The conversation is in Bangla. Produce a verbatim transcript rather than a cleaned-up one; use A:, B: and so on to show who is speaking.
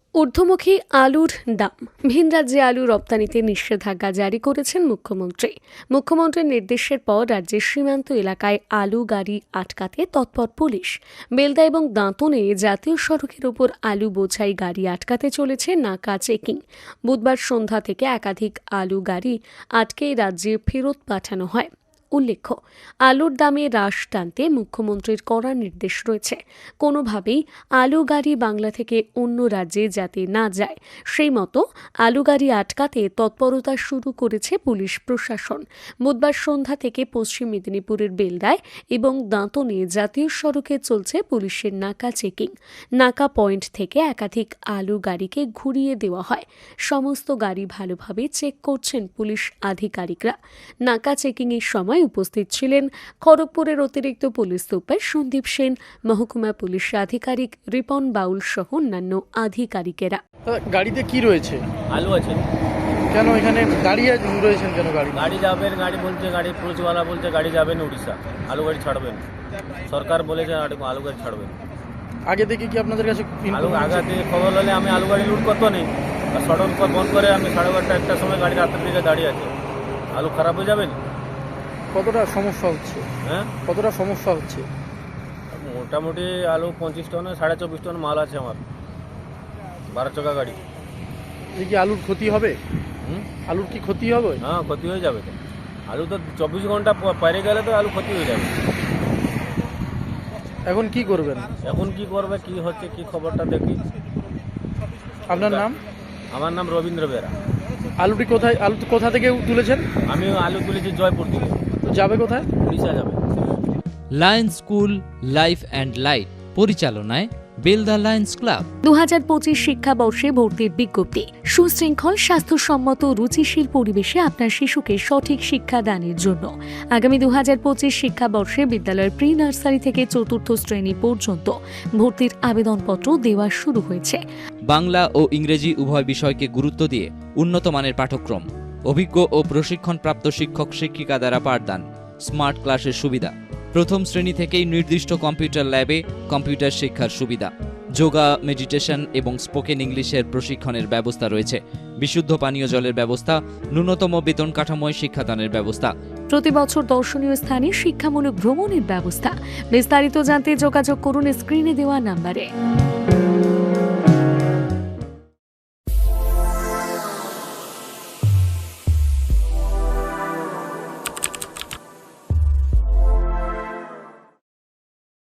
A: ঊর্ধ্বমুখী আলুর দাম। ভিন রাজ্যে আলু রপ্তানিতে নিষেধাজ্ঞা জারি করেছেন মুখ্যমন্ত্রী। মুখ্যমন্ত্রীর নির্দেশের পর রাজ্যের সীমান্ত এলাকায় আলু গাড়ি আটকাতে তৎপর পুলিশ। বেলদা এবং দাঁতনে জাতীয় সড়কের ওপর আলু বোঝাই গাড়ি আটকাতে চলেছে নাকা চেকিং। বুধবার সন্ধ্যা থেকে একাধিক আলু গাড়ি আটকে রাজ্যে ফেরত পাঠানো হয়। উল্লেখ্য, আলুর দামে হ্রাস টানতে মুখ্যমন্ত্রীর কড়া নির্দেশ রয়েছে। কোনোভাবেই আলু গাড়ি বাংলা থেকে অন্য রাজ্যে যাতে না যায়, সেই মতো আলু গাড়ি আটকাতে তৎপরতা শুরু করেছে পুলিশ প্রশাসন। বুধবার সন্ধ্যা থেকে পশ্চিম মেদিনীপুরের বেলদায় এবং দাঁতনে জাতীয় সড়কে চলছে পুলিশের নাকা চেকিং। নাকা পয়েন্ট থেকে একাধিক আলু গাড়িকে ঘুরিয়ে দেওয়া হয়। সমস্ত গাড়ি ভালোভাবে চেক করছেন পুলিশ আধিকারিকরা। নাকা চেকিংয়ের সময় উপস্থিত ছিলেন খড়গপুরের অতিরিক্ত পুলিশ সুপার সন্দীপ সেন, মহকুমা পুলিশ আধিকারিক রিপন বাউল সহ অন্যান্য আধিকারিকেরা।
B: গাড়িতে কি রয়েছে?
C: আলু আছে।
B: কেন এখানে দাঁড়িয়ে রয়েছেন কেন? গাড়ি
C: গাড়ি যাবেন, গাড়ি বলছে, গাড়ি পুলিশওয়ালা বলছে গাড়ি যাবেন উড়িষ্যা, আলু গাড়ি ছাড়বেন। সরকার বলেছে আলু গাড়ি ছাড়বেন।
B: আগে থেকে কি আপনাদের কাছে
C: আলু আগে থেকে খবর হলে আমি আলু গাড়ি লুট করতো নেই। সড়ক পর বন্ধ করে আমি সাড়ে বারোটা একটার সময় গাড়ি রাতের দিকে দাঁড়িয়ে আছে। আলু খারাপ হয়ে যাবেন।
B: কতটা সমস্যা হচ্ছে?
C: হ্যাঁ,
B: কতটা সমস্যা হচ্ছে?
C: মোটামুটি আলু পঁচিশ টন সাড়ে চব্বিশ টন মাল আছে আমার, বারো চাকা গাড়ি।
B: এই কি আলুর ক্ষতি হবে?
C: হুম,
B: আলুর কি ক্ষতি হবে?
C: হ্যাঁ, ক্ষতি হয়ে যাবে তো। আলু তো চব্বিশ ঘন্টা পারে গেলে তো আলু ক্ষতি হয়ে যাবে।
B: এখন কি করবেন?
C: এখন কি করবে, কি হচ্ছে, কি খবরটা দেখি।
B: আপনার নাম?
C: আমার নাম রবীন্দ্র বেরা।
B: আলুটি কোথায়, আলু কোথা থেকে তুলেছেন?
C: আমি আলু তুলেছি জয়পুর থেকে।
B: তো যাবে কোথায়?
C: উড়িষ্যা যাবে।
D: Lions school life and light পরিচালনায় বেলদা লায়ন্স ক্লাব
A: দু হাজার পঁচিশ শিক্ষাবর্ষে ভর্তির বিজ্ঞপ্তি। সুশৃঙ্খল, স্বাস্থ্যসম্মত, রুচিশীল পরিবেশে আপনার শিশুকে সঠিক শিক্ষাদানের জন্য আগামী দু হাজার পঁচিশ শিক্ষাবর্ষে বিদ্যালয়ের প্রি নার্সারি থেকে চতুর্থ শ্রেণী পর্যন্ত ভর্তির আবেদনপত্র দেওয়া শুরু হয়েছে।
D: বাংলা ও ইংরেজি উভয় বিষয়কে গুরুত্ব দিয়ে উন্নত মানের পাঠ্যক্রম, অভিজ্ঞ ও প্রশিক্ষণপ্রাপ্ত শিক্ষক শিক্ষিকা দ্বারা পাঠদান, স্মার্ট ক্লাসের সুবিধা, প্রথম শ্রেণী থেকেই নির্দিষ্ট কম্পিউটার ল্যাবে কম্পিউটার শিক্ষার সুবিধা, যোগা, মেডিটেশন এবং স্পোকেন ইংলিশের প্রশিক্ষণের ব্যবস্থা রয়েছে, বিশুদ্ধ পানীয় জলের ব্যবস্থা, ন্যূনতম বেতন কাঠামোয় শিক্ষাদানের ব্যবস্থা,
A: প্রতি বছর দর্শনীয় স্থানে শিক্ষামূলক ভ্রমণের ব্যবস্থা। বিস্তারিত জানতে যোগাযোগ করুন স্ক্রিনে দেওয়া নাম্বারে।